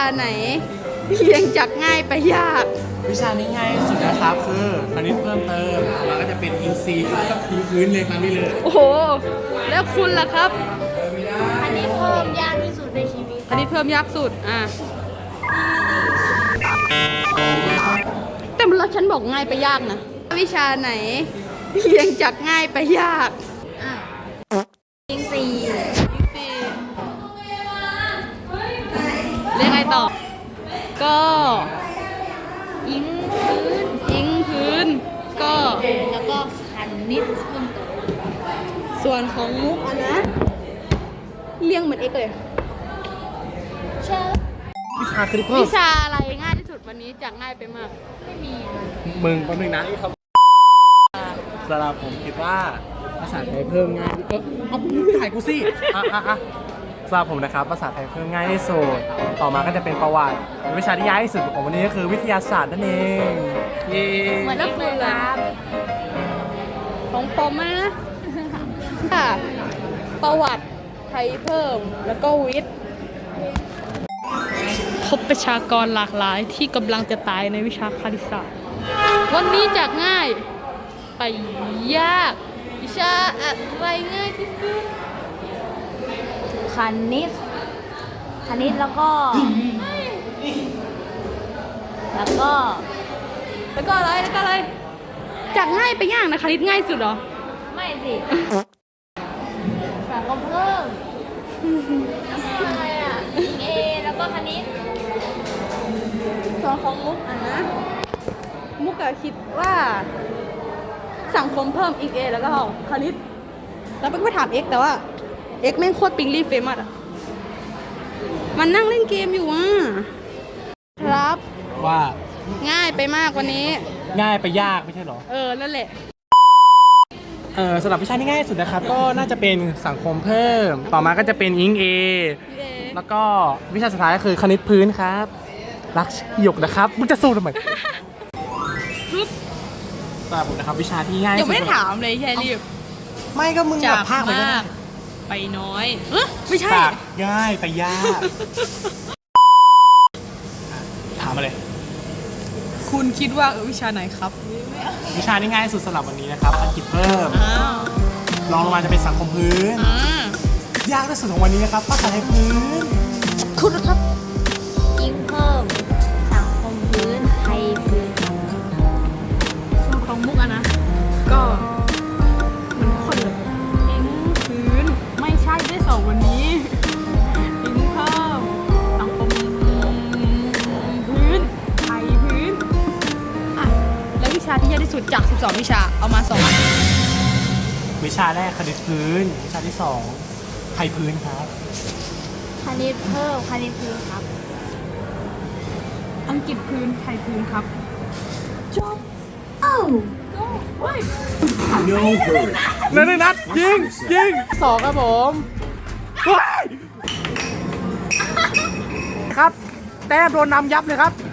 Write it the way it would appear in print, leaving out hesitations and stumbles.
ไหนเรียงจากง่ายไปยากวิชานี้ง่ายที่สุดนะครับคือคณิตเพิ่มเติมแล้วก็จะเป็นอินทรีย์กับพื้นเลยตามนี้เลยโอ้โห แล้วคุณล่ะครับอันนี้เพิ่มยากที่สุดในชีวิตอันนี้เพิ่มยากสุดแต่แล้วฉันบอกง่ายไปยากนะวิชาไหนเรียงจากง่ายไปยากยิงสี่เรียกไงต่อ ก็ยิงพื้นยิงพื้น ก็แล้วก็คันนิดเพิ่มเติมส่วนของมุกนะเรียงเหมือนเอ็กเลยเชื่อวิชาคณิตเพิ่มวิชาอะไรง่ายที่สุดวันนี้จากง่ายไปมากไม่มีเลยมึงแป๊บนึงนะสำหรับผมคิดว่าภาษาไทยเพิ่มง่ายเอาถ่ายกูสิสำหรับผมนะครับภาษาไทยเพิ่มง่ายที่สุดต่อมาก็จะเป็นประวัติวิชาที่ยากที่สุดของวันนี้ก็คือวิทยาศาสตร์นั่นเองเย้เหมือนนักเรียนครับของผมนะค่ะประวัติไทยเพิ่มแล้วก็วิทย์พบประชากรหลากหลายที่กำลังจะตายในวิชาคณิตศาสตร์วันนี้จากง่ายไปยากวิชาอะไรง่ายที่สุดคันนิดแล้วก็ แล้วก็แล้วก็อะไรจากง่ายไปยากนะคณิตง่ายสุดเหรอไม่สิสังคมเพิ่มแล้วก็อะไรเอแล้วก็คณิตส่วนของมุกนะมุกคิดว่าสังคมเพิ่มอีกเอแล้วก็คณิตแล้วไปถามเอ็กแต่ว่าเอ็กแม่งโคตรปิงลี่เฟมัสมันนั่งเล่นเกมอยู่ครับว่าง่ายไปมากวันนี้ง่ายไปยากไม่ใช่เหรอนั่นแหละสำหรับวิชาที่ง่ายที่สุดนะครับก็น่าจะเป็นสังคมเพิ่มต่อมาก็จะเป็นอิงเอแล้วก็วิชาสุดท้ายก็คือคณิตพื้นครับรักหยกนะครับมึงจะสู้ทำไมสำหรับผมนะครับวิชาที่ง่ายที่ยังสุดไม่ได้ถามเลยแค่รีบไม่ก็มึงแบบภาคไปก็มากไปน้อยไม่ใช่ปากง่ายไปยากถามมาเลยคุณคิดว่าวิชาไหนครับวิชาที่ง่ายที่สุดสำหรับวันนี้นะครับอังกฤษเพิ่มรองลงมาจะเป็นสังคมพื้นยากที่สุดของวันนี้นะครับภาษาไทยพื้นคุณนะครับยิงเพิ่ม สังคมพื้น ไทยพื้นส่วนของมุกนะก็เหมือนคนเลยอิงพื้นไม่ใช่ได้สองวันนี้อิงเพิ่มสังคมพื้นไทยพื้นแล้ววิชาที่ยากที่สุดจาก 12 วิชาเอามา2 วิชาแรกคณิตพื้น วิชาที่2ไทยพื้นครับคณิตเพิ่ม คณิตพื้นครับอังกฤษพื้นไทยพื้นครับจบนั่นนัดยิง2ครับผมครับแต้มโดนนำยับเลยครับ